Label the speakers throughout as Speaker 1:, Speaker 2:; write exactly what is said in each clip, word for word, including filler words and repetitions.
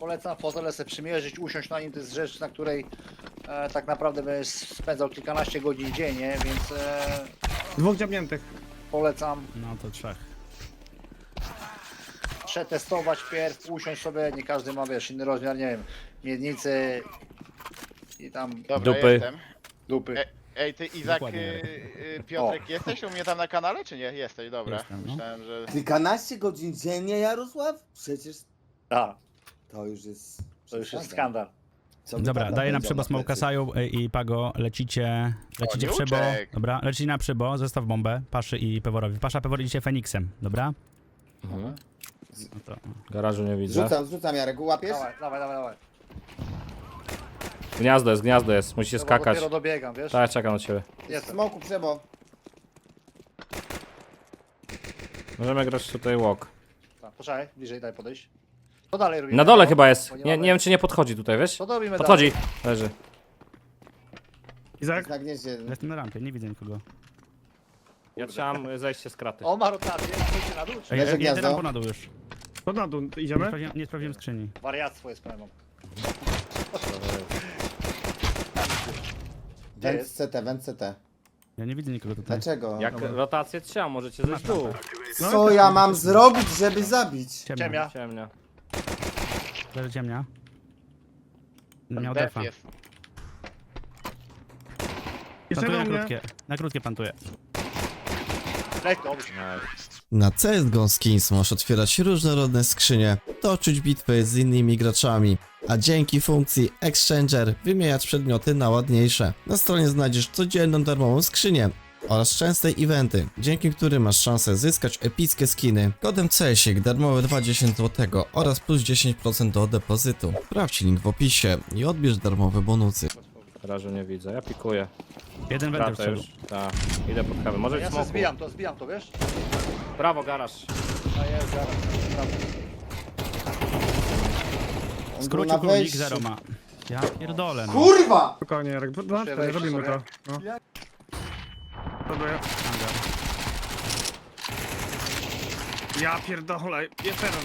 Speaker 1: Polecam fotele sobie przymierzyć, usiąść na nim, to jest rzecz, na której e, tak naprawdę będziesz spędzał kilkanaście godzin dziennie, więc e,
Speaker 2: Dwóch dziabniętych.
Speaker 1: polecam
Speaker 3: No to trzech.
Speaker 1: przetestować pierw, usiąść sobie, nie każdy ma, wiesz, inny rozmiar, nie wiem, miednicy i tam
Speaker 4: Dobra,
Speaker 5: Dupy.
Speaker 4: jestem.
Speaker 1: dupy.
Speaker 4: E, ej, ty Izak,
Speaker 3: Dokładnie.
Speaker 4: y, y, Piotrek, jesteś u mnie tam na kanale, czy nie? Jesteś, dobra.
Speaker 3: Jestem, no.
Speaker 4: Myślałem, że...
Speaker 6: Kilkanaście godzin dziennie, Jarosław? Przecież
Speaker 1: Tak,
Speaker 6: to już jest...
Speaker 1: to już jest
Speaker 6: przesada.
Speaker 1: skandal.
Speaker 6: Co by
Speaker 3: Dobra,
Speaker 6: tata
Speaker 3: daję na
Speaker 6: powiedział
Speaker 3: przybo smoka
Speaker 6: plecy?
Speaker 3: Saju y, i Pago, lecicie, lecicie w przybo.
Speaker 4: Koniuczek.
Speaker 3: Dobra, lecicie na przybo, zestaw bombę, Paszy i Peworowi. Pasza, Pewor idziecie Feniksem, dobra?
Speaker 5: Mhm.
Speaker 3: No to,
Speaker 5: Garażu nie widzę.
Speaker 6: Rzucam, rzucam, Jarek, łapiesz?
Speaker 1: Dawaj, dawaj, dawaj, dawaj.
Speaker 5: Gniazdo jest, gniazdo jest. Musicie
Speaker 1: Chyba
Speaker 5: skakać.
Speaker 1: dopiero dobiegam, wiesz?
Speaker 5: Tak, czekam na ciebie.
Speaker 1: Jestem.
Speaker 6: Smoku, przebo.
Speaker 5: Możemy grać tutaj walk.
Speaker 1: Tak, poczekaj, bliżej, daj podejść. To dalej robimy.
Speaker 5: Na dole
Speaker 1: no,
Speaker 5: chyba jest.
Speaker 1: bo
Speaker 5: Nie,
Speaker 1: mamy-
Speaker 5: nie wiem czy nie podchodzi tutaj, wiesz?
Speaker 1: To robimy
Speaker 5: Podchodzi.
Speaker 1: dalej.
Speaker 5: Leży.
Speaker 2: Izak?
Speaker 6: Na gnieździe.
Speaker 3: jestem na rampie, nie widzę nikogo.
Speaker 5: Ja chciałem zejść z kraty.
Speaker 1: On ma rotację, pójdźcie na dół, czy
Speaker 3: Ej,
Speaker 6: Leży
Speaker 3: ej, jedę
Speaker 6: gniazdo.
Speaker 3: rampą na dół już.
Speaker 2: To na dół,
Speaker 3: Nie
Speaker 2: idziemy?
Speaker 3: sprawdziłem, nie sprawdziłem skrzyni.
Speaker 1: wariactwo jest pełną.
Speaker 6: Węd
Speaker 1: jest?
Speaker 6: C T, węd C T.
Speaker 3: Ja nie widzę nikogo tutaj.
Speaker 6: Dlaczego?
Speaker 5: Jak rotację trzeba, możecie zejść w dół.
Speaker 2: No,
Speaker 6: Co ja mam zrobić, żeby zabić?
Speaker 3: Ciemnia.
Speaker 1: Ciemnia.
Speaker 5: Ciemnia.
Speaker 3: Leży ciemnia. Miał
Speaker 4: Def
Speaker 3: defa.
Speaker 4: jest.
Speaker 2: Jeszcze
Speaker 3: Plantuję
Speaker 2: do
Speaker 3: na
Speaker 2: mnie.
Speaker 3: krótkie, na krótkie plantuję.
Speaker 1: Leć, dobrze.
Speaker 7: Na C S G O Skins możesz otwierać różnorodne skrzynie, toczyć bitwy z innymi graczami, a dzięki funkcji Exchanger wymieniać przedmioty na ładniejsze. Na stronie znajdziesz codzienną darmową skrzynię oraz częste eventy, dzięki którym masz szansę zyskać epickie skiny. Kodem C S I K darmowe dwadzieścia złotych oraz plus dziesięć procent do depozytu. Sprawdź link w opisie i odbierz darmowe bonusy.
Speaker 5: Garażu nie widzę. Ja pikuję.
Speaker 3: Jeden wędrów
Speaker 5: Kratę
Speaker 3: wszedł.
Speaker 5: już. Tak. Idę pod kawę. Może
Speaker 1: Ja
Speaker 5: być
Speaker 1: się
Speaker 5: smoku.
Speaker 1: zbijam to, zbijam to, wiesz?
Speaker 5: Brawo, garaż.
Speaker 1: A jest, zaraz, prawo.
Speaker 6: On był
Speaker 3: Skrócił
Speaker 6: na
Speaker 3: królik,
Speaker 6: wejściu.
Speaker 3: zero ma. Ja pierdolę, no.
Speaker 6: Kurwa!
Speaker 2: Spokojnie, Jarek. No, no,
Speaker 1: wejść
Speaker 2: robimy to.
Speaker 1: sobie.
Speaker 2: No. Próbuję. Ja pierdolę, jest jeden.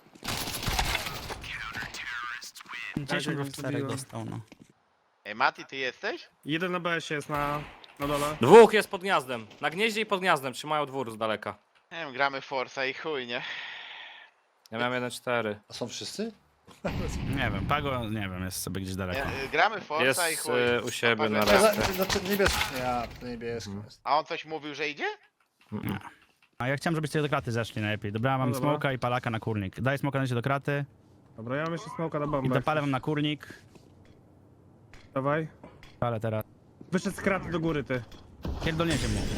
Speaker 3: dziesięć
Speaker 2: Tak,
Speaker 3: w czterech
Speaker 2: jak
Speaker 3: dostał, no.
Speaker 4: Ej, Mati, ty jesteś?
Speaker 2: Jeden na B S jest na, na dole.
Speaker 5: Dwóch jest pod gniazdem. Na gnieździe i pod gniazdem. Trzymają dwór z daleka.
Speaker 4: Nie wiem, gramy Forza i chuj, nie?
Speaker 5: Ja miałem jeden cztery.
Speaker 1: A są wszyscy?
Speaker 3: Nie wiem, Pago, nie wiem, jest sobie gdzieś daleko.
Speaker 4: nie y, gramy Forza
Speaker 5: Jest
Speaker 4: i chuj.
Speaker 5: y, u siebie na
Speaker 4: Paweł,
Speaker 5: respie.
Speaker 1: Znaczy niebieski. Ja, to niebieski jest.
Speaker 4: A on coś mówił, że idzie?
Speaker 3: A ja chciałem, żebyście do kraty zeszli najlepiej. Dobra, mam
Speaker 2: No dobra.
Speaker 3: smoka i palaka na kurnik. Daj smoka na się do kraty
Speaker 2: Dobra, ja mam jeszcze smoka na
Speaker 3: i
Speaker 2: bombę.
Speaker 3: dopalę wam na kurnik.
Speaker 2: Dawaj.
Speaker 3: Ale teraz.
Speaker 2: Wyszedł z kraty do góry, ty.
Speaker 3: Pierdolniecie mu.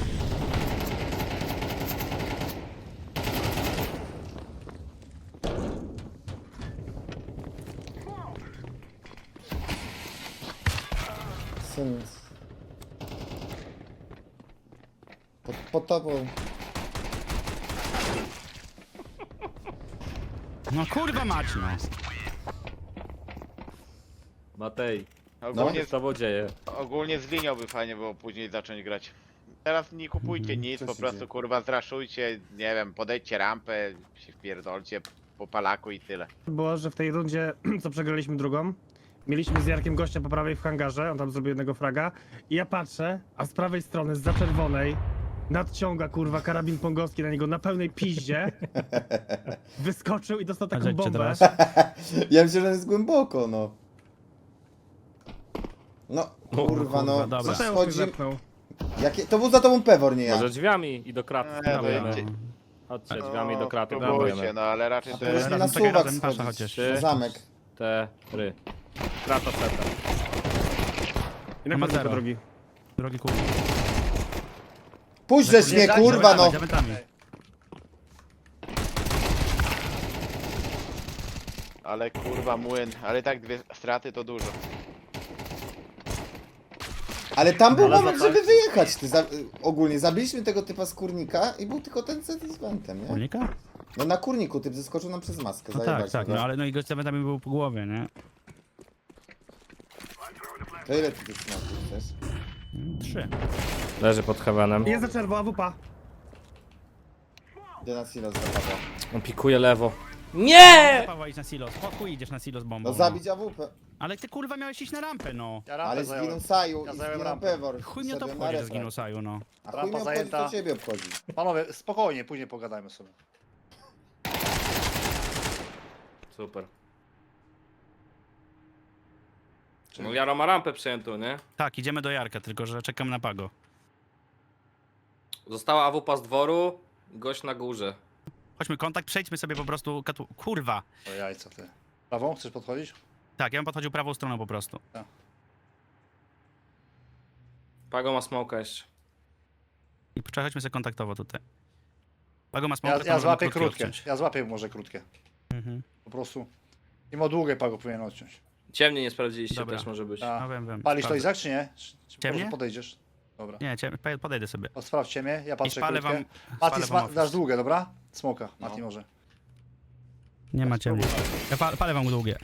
Speaker 6: Syn. Pod, pod tobą.
Speaker 3: No kurwa mać, no.
Speaker 5: Matej.
Speaker 4: Ogólnie,
Speaker 5: Co się z tobą dzieje?
Speaker 4: ogólnie z linią by fajnie było później zacząć grać. Teraz nie kupujcie nic,
Speaker 6: Co
Speaker 4: po
Speaker 6: się
Speaker 4: prostu
Speaker 6: dzieje?
Speaker 4: kurwa zraszujcie, nie wiem, podejdźcie rampę, się wpierdolcie po palaku i tyle.
Speaker 2: Było, że w tej rundzie, co przegraliśmy drugą, mieliśmy z Jarkiem gościa po prawej w hangarze, on tam zrobił jednego fraga i ja patrzę, a z prawej strony, z za czerwonej, nadciąga kurwa karabin pongowski na niego na pełnej piździe, wyskoczył i dostał taką
Speaker 3: Rzeczcie
Speaker 2: bombę.
Speaker 3: teraz.
Speaker 6: Ja myślę, że on jest głęboko, no. No, kurwa,
Speaker 3: kurwa,
Speaker 6: no.
Speaker 3: dobra.
Speaker 2: Mateusz mnie
Speaker 6: Schodzi...
Speaker 2: zepnął.
Speaker 6: Jakie... To był za tobą Pewor, nie ja.
Speaker 5: Może drzwiami i do kraty
Speaker 4: Eee,
Speaker 5: spróbujemy.
Speaker 4: będzie.
Speaker 5: Chodźcie, drzwiami do kraty
Speaker 4: Próbujcie,
Speaker 5: spróbujemy.
Speaker 4: no ale raczej
Speaker 6: A
Speaker 4: to
Speaker 6: powinniśmy
Speaker 4: jest...
Speaker 6: na
Speaker 3: razem, czekaj,
Speaker 6: suwak
Speaker 3: razem, pasza
Speaker 6: schodzić.
Speaker 3: chociaż.
Speaker 6: Na zamek.
Speaker 5: Cztery. Krata seta.
Speaker 2: I na
Speaker 3: Ma
Speaker 2: końcu
Speaker 3: zero.
Speaker 2: drogi.
Speaker 3: Drogi kurnik.
Speaker 6: Puść żeś mnie, kurwa, no.
Speaker 3: Za wentami.
Speaker 4: Ale kurwa młyn, ale tak dwie straty to dużo.
Speaker 6: Ale tam był
Speaker 5: Ale
Speaker 6: moment,
Speaker 5: za-
Speaker 6: żeby wyjechać. Ty za... Ogólnie zabiliśmy tego typa z kurnika i był tylko ten set z wentem, nie?
Speaker 3: Kurnika?
Speaker 6: No na kurniku typ zeskoczył nam przez maskę.
Speaker 3: No tak,
Speaker 6: zajebać
Speaker 3: tak,
Speaker 6: go.
Speaker 3: no ale no i gość za wentami był po głowie, nie?
Speaker 6: To ile ty tych smaków chcesz?
Speaker 3: Mm, Trzy.
Speaker 5: Leży pod heavenem.
Speaker 2: Jest za czerwo, A W P.
Speaker 6: Idę na silo zapada.
Speaker 5: On pikuje lewo. Nie!
Speaker 3: Paweł, idź na silo. Spokój, idziesz na silo z bombą.
Speaker 6: No zabić A W P.
Speaker 3: Ale ty kurwa miałeś iść na rampę, no.
Speaker 1: Ja rampę
Speaker 6: Ale
Speaker 1: zająłem.
Speaker 6: zginął Saju
Speaker 1: Ja
Speaker 6: i
Speaker 1: zająłem
Speaker 6: zginął
Speaker 1: rampę.
Speaker 6: Pewor.
Speaker 3: Chuj mnie to
Speaker 6: Szedłem na
Speaker 3: obchodzi, że
Speaker 6: refren.
Speaker 3: zginął Saju, no.
Speaker 6: A chuj
Speaker 1: Rampa
Speaker 6: mnie obchodzi,
Speaker 1: zajęta.
Speaker 6: to ciebie obchodzi.
Speaker 1: Panowie, spokojnie, później pogadajmy sobie.
Speaker 5: Super. No Jaro ma rampę przejętą, nie?
Speaker 3: Tak, idziemy do Jarka, tylko że czekam na Pago.
Speaker 5: Została A W P z dworu, gość na górze.
Speaker 3: Chodźmy, kontakt, przejdźmy sobie po prostu katu... Kurwa!
Speaker 1: O jajco ty. Prawą, chcesz podchodzić?
Speaker 3: Tak, ja bym podchodził prawą stroną po prostu.
Speaker 5: Pago ma smoka jeszcze.
Speaker 3: I przechodźmy sobie kontaktowo tutaj. Pago ma
Speaker 1: Ja,
Speaker 3: smoka, to
Speaker 1: ja
Speaker 3: możemy
Speaker 1: złapię
Speaker 3: krótkie
Speaker 1: krótkie.
Speaker 3: odciąć.
Speaker 1: Ja złapię może krótkie.
Speaker 3: Mhm.
Speaker 1: Po prostu. Mimo długie pago powinien odciąć.
Speaker 5: Ciemnie nie sprawdziliście,
Speaker 3: Dobra.
Speaker 5: też może być.
Speaker 1: A.
Speaker 3: No wiem, wiem.
Speaker 1: Palisz to
Speaker 3: sprawdzę.
Speaker 1: Izak, czy nie? Czy, czy
Speaker 3: Ciemnie?
Speaker 1: może podejdziesz? Dobra.
Speaker 3: Nie, cię, po- podejdę sobie.
Speaker 1: O, sprawdźcie mnie, ja
Speaker 3: I
Speaker 1: patrzę
Speaker 3: spalę
Speaker 1: krótkie.
Speaker 3: wam...
Speaker 1: Mati,
Speaker 3: spalę wam
Speaker 1: sma-
Speaker 3: office.
Speaker 1: dasz długie, dobra? Smoka,
Speaker 6: No.
Speaker 1: Mati może.
Speaker 3: Nie ma ciemnie. Ja pa- palę wam długie.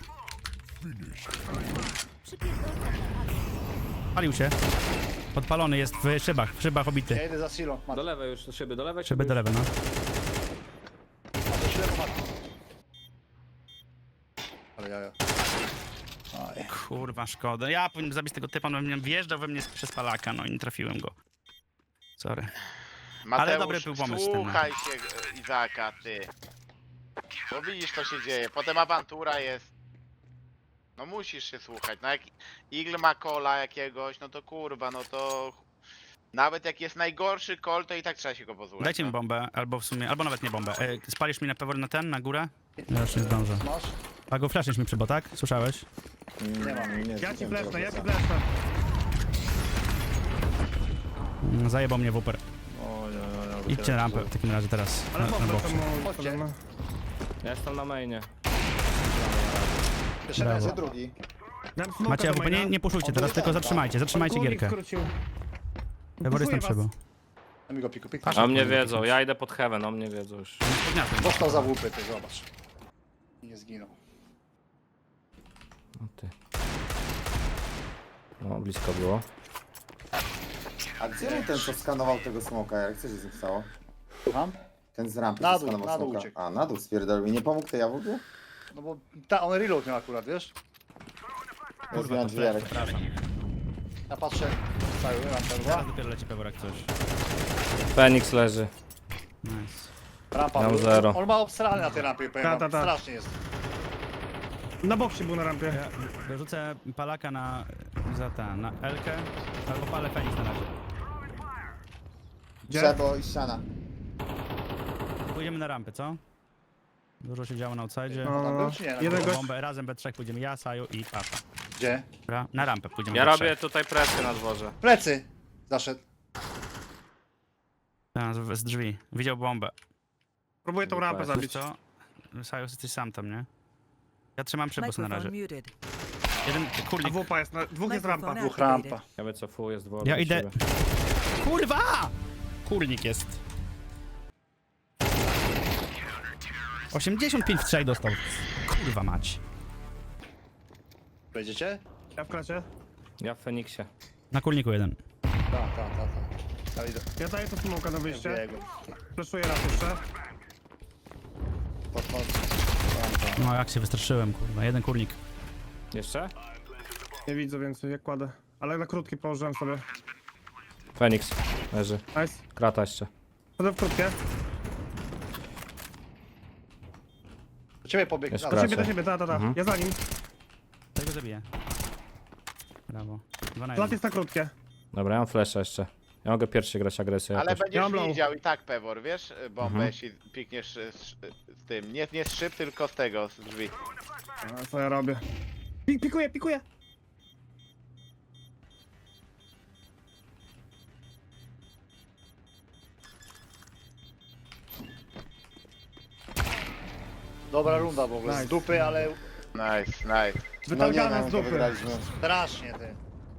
Speaker 3: Palił się. Podpalony jest w szybach, w szybach
Speaker 1: Ja
Speaker 3: obity.
Speaker 1: idę za silo. Mati.
Speaker 5: Do lewej już, do szyby, do lewej.
Speaker 3: Szyby do lewej, no.
Speaker 1: Mati, ślepo, Mati. Ale ja, ja. Aj.
Speaker 3: Kurwa, szkoda. Ja powinienem zabić tego typa, no mnie wjeżdżał we mnie przez palaka, no i nie trafiłem go. Sorry.
Speaker 4: Mateusz,
Speaker 3: dobry był pomysł ten, no.
Speaker 4: słuchaj się e, Izaka, ty. Bo widzisz, co się dzieje. Potem awantura jest. No musisz się słuchać. No jak Eagle ma kola jakiegoś, no to kurwa, no to... Nawet jak jest najgorszy kol, to i tak trzeba się go posłuchać.
Speaker 3: Dajcie mi
Speaker 4: no.
Speaker 3: bombę, albo w sumie, albo nawet nie bombę. E, spalisz mi na pewno na ten, na górę? Ja już nie zdążę.
Speaker 1: Masz?
Speaker 3: Pago, flaszysz mi przybo, tak? Słyszałeś?
Speaker 6: Nie mam, nie
Speaker 2: Ja ci
Speaker 6: wiem,
Speaker 2: fleszczę,
Speaker 6: czego
Speaker 2: ja ci
Speaker 6: za-
Speaker 2: fleszczę.
Speaker 3: Mm, Zajebał mnie wuper.
Speaker 1: O, ja, ja, ja,
Speaker 3: Idźcie na rampę w takim razie teraz.
Speaker 2: Ale
Speaker 3: Na, na
Speaker 2: bomba
Speaker 3: boksie.
Speaker 2: to mu...
Speaker 1: Chodźcie.
Speaker 2: no.
Speaker 5: Ja jestem na mainie.
Speaker 1: Jeszcze
Speaker 3: Brawo.
Speaker 1: raz,
Speaker 6: Gdzie drugi?
Speaker 2: Dam smoka
Speaker 3: Macie,
Speaker 2: do
Speaker 3: A W P, nie,
Speaker 2: maina.
Speaker 3: nie puszujcie
Speaker 1: On
Speaker 3: teraz,
Speaker 1: tu
Speaker 3: tylko
Speaker 1: jest,
Speaker 3: zatrzymajcie, zatrzymajcie
Speaker 2: Kurnik
Speaker 3: gierkę.
Speaker 2: skrócił.
Speaker 3: Pewor jestem
Speaker 2: Puszuję was.
Speaker 3: przybo.
Speaker 1: Daj mi go piku, piku.
Speaker 5: A mnie wiedzą, ja idę pod heaven, o mnie wiedzą już.
Speaker 3: Podniosłem.
Speaker 1: Dostał za łupy, ty zobacz. I nie zginął.
Speaker 5: O ty. No, blisko było.
Speaker 6: A gdzie był ten, co skanował tego smoka? Jak co się z nim stało?
Speaker 1: Mam?
Speaker 6: Ten z rampy,
Speaker 1: Na
Speaker 6: co
Speaker 1: dół,
Speaker 6: skanował
Speaker 1: na dół
Speaker 6: smoka.
Speaker 1: uciekł.
Speaker 6: A, na dół spierdolił. I nie pomógł tej jawódzy?
Speaker 1: No bo ta, on reload miał akurat, wiesz?
Speaker 3: Kurwa, to
Speaker 6: drzwiarek.
Speaker 3: przepraszam.
Speaker 1: Ja patrzę, cały rampa
Speaker 3: Teraz
Speaker 1: dwa.
Speaker 3: dopiero leci Pewor jak coś.
Speaker 5: Fenix leży.
Speaker 3: Nice.
Speaker 1: Rampa
Speaker 5: Miał
Speaker 1: był-
Speaker 5: zero.
Speaker 1: On ma obstrany na tej rampie, powiem
Speaker 2: Ta,
Speaker 1: wam.
Speaker 2: ta, ta.
Speaker 1: Strasznie jest.
Speaker 2: Na boksie był na rampie.
Speaker 3: Ja wyrzucę palaka na... za ten, na Elkę, albo palę Fenix na razie.
Speaker 2: Gdzie?
Speaker 6: Trzeba i ściana.
Speaker 3: Pójdziemy na rampę, co? Dużo się działo na outside.
Speaker 2: No,
Speaker 1: Tam był czy nie? Na
Speaker 2: jeden
Speaker 1: górze?
Speaker 2: gość...
Speaker 3: Bombę, razem we trzech pójdziemy, ja, Saju i Pasza.
Speaker 1: Gdzie?
Speaker 3: Dobra? Na rampę pójdziemy
Speaker 5: Ja
Speaker 3: we
Speaker 5: robię
Speaker 3: trzech.
Speaker 5: tutaj presję na dworze.
Speaker 1: Plecy! Zaszedł.
Speaker 3: Tak, z, z drzwi. Widział bombę.
Speaker 2: Próbuję tą rampę
Speaker 3: Wiesz
Speaker 2: zabić.
Speaker 3: co? Saju, jesteś sam tam, nie? Ja trzymam przybus na razie.
Speaker 8: Microphone muted.
Speaker 3: Jeden
Speaker 2: A
Speaker 3: kurnik.
Speaker 2: wupa jest, na... dwóch jest rampa.
Speaker 8: Microphone
Speaker 1: Dwóch rampa.
Speaker 5: Ja wycofuję z dworu.
Speaker 3: Ja
Speaker 5: do
Speaker 3: idę.
Speaker 5: siebie.
Speaker 3: Kurwa! Kurnik jest. osiemdziesiąt pięć w trzech dostał. Kurwa mać.
Speaker 1: Wejdziecie?
Speaker 2: Ja w klasie.
Speaker 5: Ja w Feniksie.
Speaker 3: Na kurniku jeden.
Speaker 1: Tak, tak, tak. Ta. Ja idę.
Speaker 2: Ja daję to smoka na wyjście.
Speaker 1: Biegł.
Speaker 2: Fleszuję raz jeszcze.
Speaker 1: Podchodź.
Speaker 3: No jak się wystraszyłem, kurwa. Jeden kurnik.
Speaker 5: Jeszcze?
Speaker 2: Nie widzę więcej, jak kładę. Ale na krótki położyłem sobie.
Speaker 5: Feniks. Leży.
Speaker 2: Nice.
Speaker 5: Krata jeszcze.
Speaker 2: Chodzę w krótkie.
Speaker 1: Do ciebie pobiegł.
Speaker 5: Jest
Speaker 1: Na
Speaker 2: Do
Speaker 5: Kracę.
Speaker 2: siebie, do siebie, ta, ta, ta.
Speaker 5: Mhm.
Speaker 2: Ja za nim.
Speaker 3: Tego zabiję. Brawo. Dwa na
Speaker 2: Lat
Speaker 3: jeden.
Speaker 2: jest na krótkie.
Speaker 5: Dobra, ja mam flasha jeszcze. Ja mogę pierwszy grać agresję
Speaker 4: Ale
Speaker 5: jakoś.
Speaker 4: będziesz
Speaker 2: Ja mam low.
Speaker 4: widział i tak Pewor, wiesz, bombę,
Speaker 5: Mhm.
Speaker 4: jeśli pikniesz z, z, z tym. Nie, nie z szyb, tylko z tego, z drzwi.
Speaker 2: A, co ja robię? Pik, pikuję, pikuję.
Speaker 1: Dobra runda w ogóle. Z
Speaker 2: Nice.
Speaker 1: dupy, ale
Speaker 4: Nice, nice.
Speaker 6: No nie
Speaker 2: Wytargane
Speaker 6: wiem,
Speaker 2: z
Speaker 6: to
Speaker 2: dupy.
Speaker 6: wygraliśmy.
Speaker 1: strasznie ty.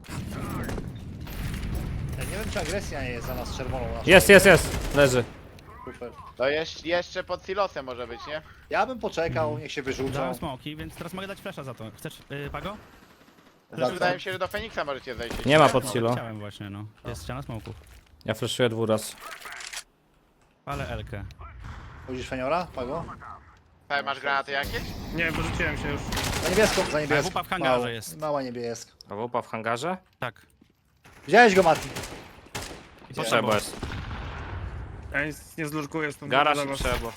Speaker 1: Ja nie wiem czy agresja nie jest za nas czerwoną. naszą.
Speaker 5: Jest, jest, jest! Leży.
Speaker 1: Super.
Speaker 4: To jeszcze, jeszcze pod silosem może być, nie?
Speaker 1: Ja bym poczekał, niech się wyrzucą.
Speaker 3: Dałem smoki, więc teraz mogę dać flasha za to. Chcesz, yy, Pago?
Speaker 6: Za co?
Speaker 4: Wydaje mi się, że do Feniksa możecie zejść.
Speaker 5: Nie ma pod silo.
Speaker 3: Chciałem właśnie, no. Jest ściana smoków.
Speaker 5: Ja flashuję dwóch raz.
Speaker 3: Ale Elkę.
Speaker 1: Chodzisz Feniora, Pago?
Speaker 4: Tutaj masz granaty jakieś?
Speaker 2: Nie, wyrzuciłem się już.
Speaker 1: Za niebieską, za niebieską.
Speaker 3: wupa w hangarze
Speaker 1: Mało-
Speaker 3: jest.
Speaker 1: Mała niebieska.
Speaker 5: A wupa w hangarze?
Speaker 3: Tak.
Speaker 1: Widziałeś go, Mati?
Speaker 3: I
Speaker 5: Co
Speaker 3: po
Speaker 5: trzeba
Speaker 3: tobą.
Speaker 5: jest?
Speaker 2: Ja nic nie zlurkuję stąd.
Speaker 5: Garaż
Speaker 2: dla
Speaker 5: i
Speaker 2: was.
Speaker 5: trzeba.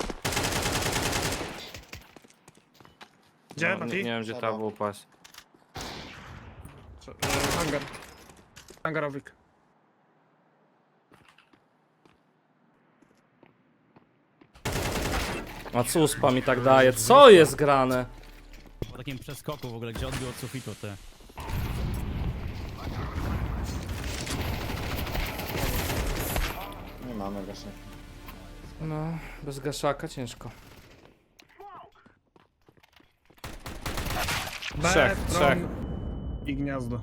Speaker 2: Gdzie,
Speaker 5: No, nie,
Speaker 2: Mati?
Speaker 5: nie wiem gdzie ta wupa jest.
Speaker 2: Trze- e, Hangar. Hangarowik.
Speaker 5: A co uspa mi tak daje? Co jest grane?
Speaker 3: Po takim przeskoku w ogóle, gdzie odbił od sufitu ty.
Speaker 6: Nie mamy gaszek.
Speaker 5: No, bez gaszaka ciężko. Trzech,
Speaker 2: B,
Speaker 5: trzech.
Speaker 2: tron I gniazdo.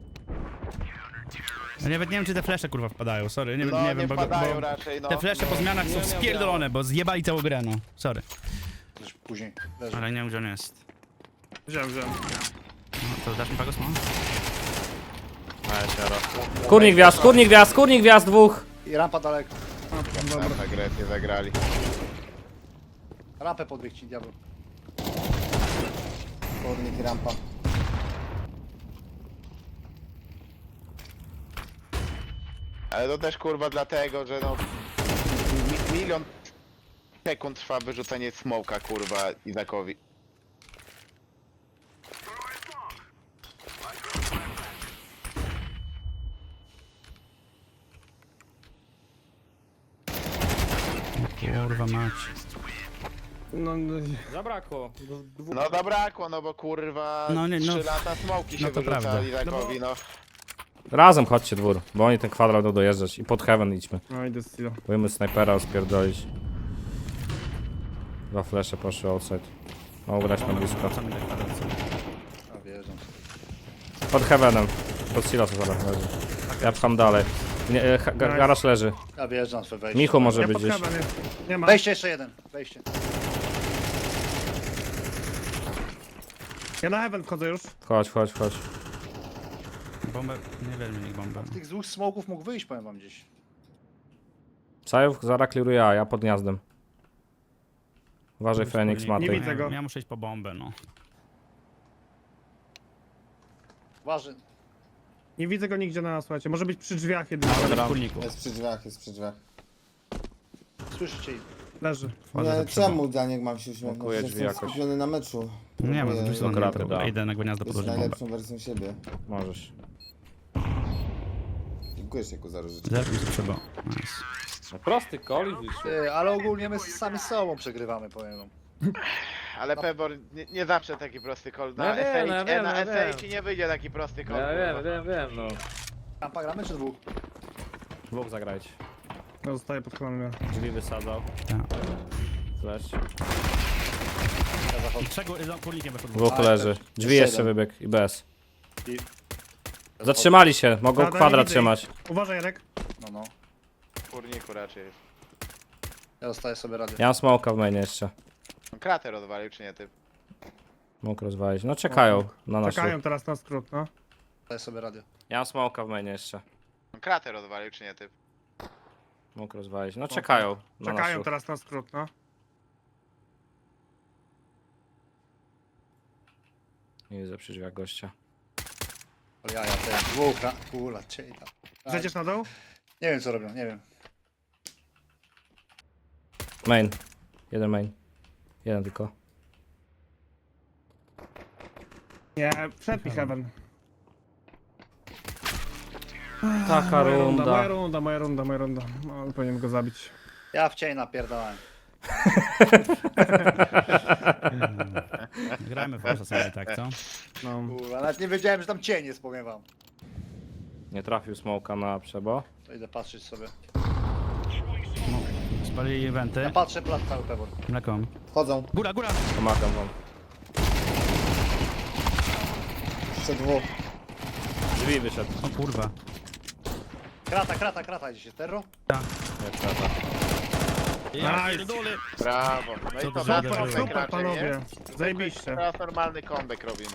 Speaker 3: Ja nawet nie wiem, czy te flesze kurwa wpadają, sorry, nie,
Speaker 4: No
Speaker 3: nie
Speaker 4: nie
Speaker 3: wiem, bo,
Speaker 4: wpadają
Speaker 3: bo
Speaker 4: raczej, no.
Speaker 3: te flesze po zmianach są spierdolone, bo zjebali całą grę, no. Sorry.
Speaker 1: Już później. Leży.
Speaker 3: Ale nie wiem, gdzie on jest.
Speaker 2: Wziąłem, wziąłem.
Speaker 3: No, to dasz mi pagos, no?
Speaker 5: Ale się roz... Kurnik gwiazd, kurnik gwiazd, kurnik gwiazd dwóch!
Speaker 1: I rampa daleko.
Speaker 2: Dobra.
Speaker 4: Tak agresję zagrali.
Speaker 1: Rampę podbiegł ci, diabeł.
Speaker 6: Kurnik i rampa.
Speaker 4: Ale to też kurwa dlatego, że no... Mi milion sekund trwa wyrzucenie smoka kurwa Izakowi.
Speaker 3: Kurwa mać.
Speaker 2: No, no,
Speaker 5: Zabrakło.
Speaker 4: No zabrakło, no bo kurwa
Speaker 3: No nie, no.
Speaker 4: trzy lata smoki się
Speaker 3: No to
Speaker 4: wyrzucali
Speaker 3: prawda.
Speaker 4: Izakowi, no.
Speaker 5: Razem chodźcie dwór, bo oni ten kwadrat będą dojeżdżać i pod heaven idźmy.
Speaker 2: no idę z Stilo.
Speaker 5: Boimy snajpera rozpierdolić. Dwa flesze poszły outside. Mogą grać na blisko.
Speaker 3: Co mi tak pada, co?
Speaker 1: A wierzę.
Speaker 5: Pod heavenem. Pod silosem zaraz leży. Ja pcham dalej. Nie, e, ha- ga- garaż leży.
Speaker 1: Ja wjeżdżam swoje wejście.
Speaker 5: Michu może
Speaker 2: Ja
Speaker 5: być
Speaker 2: pod
Speaker 5: gdzieś.
Speaker 2: heaven jest. Nie ma.
Speaker 1: Wejście jeszcze jeden. Wejście.
Speaker 2: Ja na heaven wchodzę już.
Speaker 5: Chodź, chodź, chodź.
Speaker 3: Bombę, nie wiem, niech bombę.
Speaker 1: Z tych dwóch smoków mógł wyjść, powiem wam gdzieś.
Speaker 5: Sajów zaraz clearuję ja, ja pod gniazdem. Uważaj Fenix,
Speaker 3: Nie
Speaker 5: Matej.
Speaker 2: widzę go.
Speaker 3: Ja muszę iść po bombę, no.
Speaker 1: Waży.
Speaker 2: Nie widzę go nigdzie na nas, słuchajcie. Może być przy drzwiach jedynie.
Speaker 3: Ale w kurniku.
Speaker 6: Jest przy drzwiach, jest przy drzwiach.
Speaker 1: Słyszycie ich.
Speaker 2: Leży.
Speaker 3: Wchodzę
Speaker 6: Nie,
Speaker 3: za przebo.
Speaker 6: czemu Daniek mam się uśmiechnąć?
Speaker 5: Blokuje
Speaker 6: że
Speaker 5: drzwi
Speaker 6: Jestem
Speaker 5: jakoś.
Speaker 6: skupiony na meczu.
Speaker 3: Nie ma,
Speaker 6: Próbuję
Speaker 3: to są
Speaker 5: kraty,
Speaker 3: kraty,
Speaker 5: da.
Speaker 3: Idę na gniazdo
Speaker 6: być
Speaker 3: podłożyć bombę.
Speaker 6: najlepszą wersją siebie.
Speaker 5: Możesz.
Speaker 6: Dziękuję się ku za różyczkę.
Speaker 3: Zerknij za przebo. Nice.
Speaker 5: No prosty koli wyszło.
Speaker 1: Ty, ale ogólnie my sami z sobą przegrywamy, powiem wam.
Speaker 4: Ale Pebor nie, nie zawsze taki prosty call.
Speaker 5: No
Speaker 4: Na
Speaker 5: ja wiem, no ja
Speaker 4: S A,
Speaker 5: wiem,
Speaker 4: na
Speaker 5: ja
Speaker 4: S A
Speaker 5: wiem.
Speaker 4: ci nie wyjdzie taki prosty call.
Speaker 5: Ja
Speaker 4: kurwa.
Speaker 5: wiem, wiem, wiem, no.
Speaker 1: Rampa gramy czy dwóch?
Speaker 5: Dwóch zagrajcie.
Speaker 2: No, zostaję pod kolanem.
Speaker 5: Drzwi wysadzał.
Speaker 3: Tak.
Speaker 5: Flash.
Speaker 1: Ja zachodzę.
Speaker 3: I trzech za kurnikiem weszło dwóch.
Speaker 5: Dwóch
Speaker 1: A,
Speaker 5: leży.
Speaker 1: jeszcze
Speaker 5: Drzwi jeszcze
Speaker 6: jeden.
Speaker 5: wybieg i bez.
Speaker 1: I...
Speaker 5: Zatrzymali się, mogą
Speaker 2: Dobra, nie
Speaker 5: kwadrat
Speaker 2: widzę
Speaker 5: trzymać.
Speaker 2: Uważaj, Jarek.
Speaker 1: No, no.
Speaker 4: W kurniku raczej jest.
Speaker 1: Ja dostaję sobie radę.
Speaker 5: Ja mam smoka w mainie jeszcze.
Speaker 4: On krater odwalił czy nie ty?
Speaker 5: Mógł rozwalić. No czekają na nasz
Speaker 2: Czekają
Speaker 5: ruch.
Speaker 2: teraz na skrót, no.
Speaker 1: Dostaję sobie radę.
Speaker 5: Ja mam smoka w mainie jeszcze.
Speaker 4: On krater odwalił czy nie ty?
Speaker 5: Mógł rozwalić. No czekają na nasz
Speaker 2: Czekają
Speaker 5: ruch.
Speaker 2: teraz na skrót, no.
Speaker 5: Nie widzę przy drzwiach gościa.
Speaker 1: Ale ja, ja ten dwóch, ra... Kula, ciej tam.
Speaker 2: Zejdziesz na dół?
Speaker 1: Nie wiem co robią, nie wiem.
Speaker 5: Main. Jeden main. Jeden tylko.
Speaker 2: Nie, przed mi heaven.
Speaker 5: Taka
Speaker 2: Moja runda, moja
Speaker 5: runda.
Speaker 2: runda, moja runda, moja runda. No, powinienem go zabić.
Speaker 1: Ja w cień napierdalałem.
Speaker 3: Grajmy w Forza sobie tak, co?
Speaker 2: No.
Speaker 1: Kurwa, nawet nie wiedziałem, że tam cień jest, powiem wam.
Speaker 5: Nie trafił smoka na przebo.
Speaker 1: To idę patrzeć sobie.
Speaker 3: Spalili
Speaker 1: Ja
Speaker 3: eventy.
Speaker 1: patrzę plac cały pewor.
Speaker 3: Mleką.
Speaker 6: Wchodzą.
Speaker 3: Góra, góra!
Speaker 5: Pomagam wam.
Speaker 6: Jeszcze dwóch.
Speaker 5: Drzwi wyszedł.
Speaker 3: O kurwa.
Speaker 1: Krata, krata, krata dzisiaj. Terro?
Speaker 5: Nie trzeba.
Speaker 3: Ja
Speaker 2: Nice.
Speaker 3: pierdolę.
Speaker 4: Brawo. No
Speaker 3: Co
Speaker 4: i
Speaker 3: to
Speaker 4: to
Speaker 3: za
Speaker 4: na
Speaker 3: super,
Speaker 4: comeback
Speaker 2: super,
Speaker 4: raczej,
Speaker 2: panowie.
Speaker 4: nie?
Speaker 2: Zajebiście.
Speaker 4: Teraz normalny comeback robimy.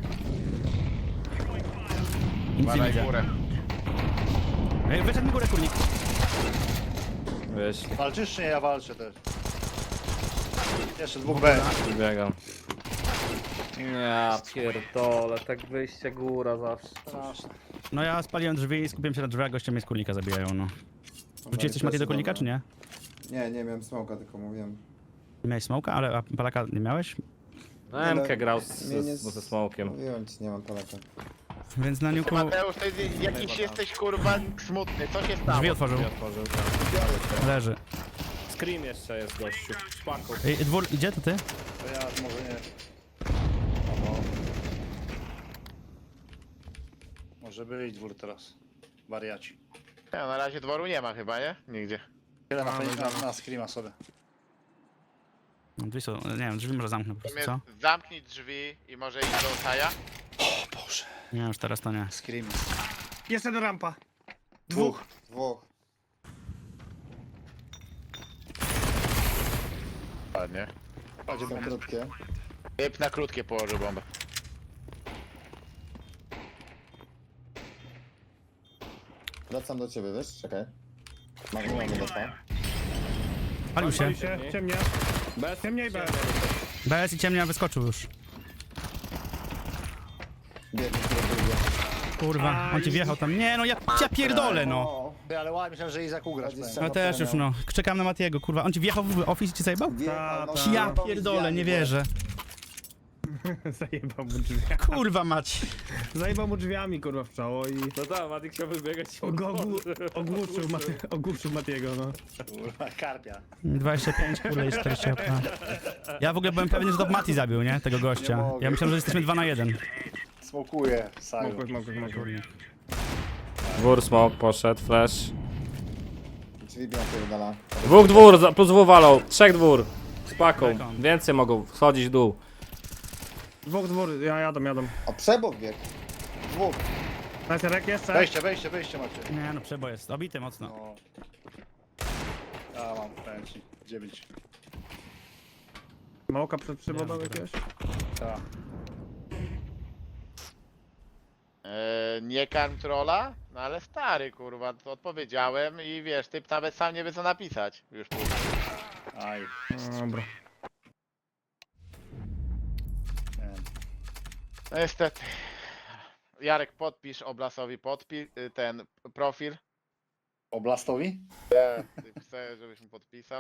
Speaker 3: Nic nie
Speaker 4: Badaj
Speaker 3: widzę.
Speaker 4: górę.
Speaker 3: Ej, wyszedł mi górę kurnik.
Speaker 5: Wyszli.
Speaker 1: Walczysz czy nie? Ja walczę też. Jeszcze dwóch B.
Speaker 5: Biegam. Ja pierdolę, tak wyjście góra zawsze.
Speaker 1: Straszne.
Speaker 3: No ja spaliłem drzwi i skupiłem się na drzwiach, goście mnie z kurnika zabijają, no. Rzuciłeś coś Mati do kurnika, czy nie?
Speaker 6: Nie, nie miałem smoka, tylko mówiłem.
Speaker 3: Miałeś smoka, ale a palaka nie miałeś?
Speaker 5: No, M K grał z,
Speaker 6: Mnie nie
Speaker 5: z, ze smokiem.
Speaker 6: Mówiłem ci, nie mam palaka.
Speaker 3: Więc na
Speaker 4: Ty,
Speaker 3: niuku
Speaker 4: Mateusz, ty jakiś jesteś kurwa smutny, co się stało?
Speaker 3: drzwi otworzył.
Speaker 5: Otworzył, tak.
Speaker 3: Leży.
Speaker 5: Scream jeszcze jest gościu. Szpaku.
Speaker 3: Ej, dwór, gdzie to ty?
Speaker 1: To ja może nie... O, może być dwór teraz. Wariaci.
Speaker 4: Nie, na razie dworu nie ma chyba, nie? Nigdzie.
Speaker 1: Tyle na,
Speaker 3: A,
Speaker 1: na,
Speaker 3: dobra.
Speaker 1: na, na screama sobie.
Speaker 3: No, drzwi są, nie wiem, drzwi może zamknę po prostu, co?
Speaker 4: Zamiast zamknij drzwi i może iść do Osaja.
Speaker 3: Nie, już teraz to nie.
Speaker 1: Scream.
Speaker 2: Jeszcze do rampa.
Speaker 1: Dwóch.
Speaker 6: Dwóch.
Speaker 4: Ładnie.
Speaker 1: Będzie
Speaker 6: Są
Speaker 1: bomba.
Speaker 6: krótkie.
Speaker 4: Typ na krótkie położył bombę.
Speaker 6: Wracam do ciebie, wiesz? Czekaj. Mam, mamy defa.
Speaker 3: Palił się.
Speaker 2: Pali się, ciemnie.
Speaker 5: Bez
Speaker 2: Ciemniej B.
Speaker 3: B S i ciemnia wyskoczył już.
Speaker 6: Biegnie, który drugie.
Speaker 3: Kurwa, on ci wjechał tam. Nie no, ja, ja pierdolę no.
Speaker 6: O,
Speaker 1: Ty, ale ładnie myślałem, że Izak ugrasz.
Speaker 6: Dwadzieścia.
Speaker 1: powiem.
Speaker 3: No też już no. Czekam na Matiego, kurwa. On ci wjechał w office i ci zajebał?
Speaker 6: wjechał, no,
Speaker 2: Ta,
Speaker 3: Ja
Speaker 6: zajebał mi
Speaker 3: pierdolę,
Speaker 6: drzwiami,
Speaker 3: nie
Speaker 6: bo-
Speaker 3: wierzę.
Speaker 2: Zajebał mu drzwi.
Speaker 3: Kurwa mać.
Speaker 2: Zajebał mu drzwiami, kurwa, w czoło i...
Speaker 5: No tak, Matik chciał wybiegać.
Speaker 2: Go, ogłu, ogłuszył, Mati, ogłuszył Matiego, no.
Speaker 1: Kurwa, karpia.
Speaker 3: dwadzieścia pięć, kurwa i czterdzieści. No. Ja w ogóle byłem pewien, że to Mati zabił, nie? Tego gościa.
Speaker 1: mogę.
Speaker 3: Ja myślałem, że jesteśmy dwa na jeden.
Speaker 1: Smokuje, Saju.
Speaker 2: Mogłeś, mogłeś, mogłeś.
Speaker 5: Dwór smok poszedł, flash.
Speaker 6: Drzwi biją pierdala.
Speaker 5: Dwóch dwór, za- plus dwóch walą. Trzech dwór. Z paką.
Speaker 3: Bekon.
Speaker 5: Więcej mogą schodzić w dół.
Speaker 2: Dwóch, dwór, ja jadą, jadą.
Speaker 6: O, przebok bieg. Dwóch.
Speaker 2: Najserek jeszcze?
Speaker 1: Wejście, wejście, wejście macie.
Speaker 3: Nie no, przebo jest. Obity mocno.
Speaker 1: No. Ja mam, powiem ci. Dziewięć.
Speaker 2: Małka przed przybodą
Speaker 3: Nie,
Speaker 2: jakiegoś?
Speaker 1: Tak.
Speaker 4: Eee, nie karm trolla? No ale stary kurwa, to odpowiedziałem i wiesz, typ nawet sam nie wie co napisać. Już później.
Speaker 1: Aj.
Speaker 2: No, dobra.
Speaker 1: Nie wiem.
Speaker 4: No niestety. Jarek, podpisz Oblasowi podpi ten profil.
Speaker 1: Oblastowi?
Speaker 4: Ty chcę, żebyś mu podpisał.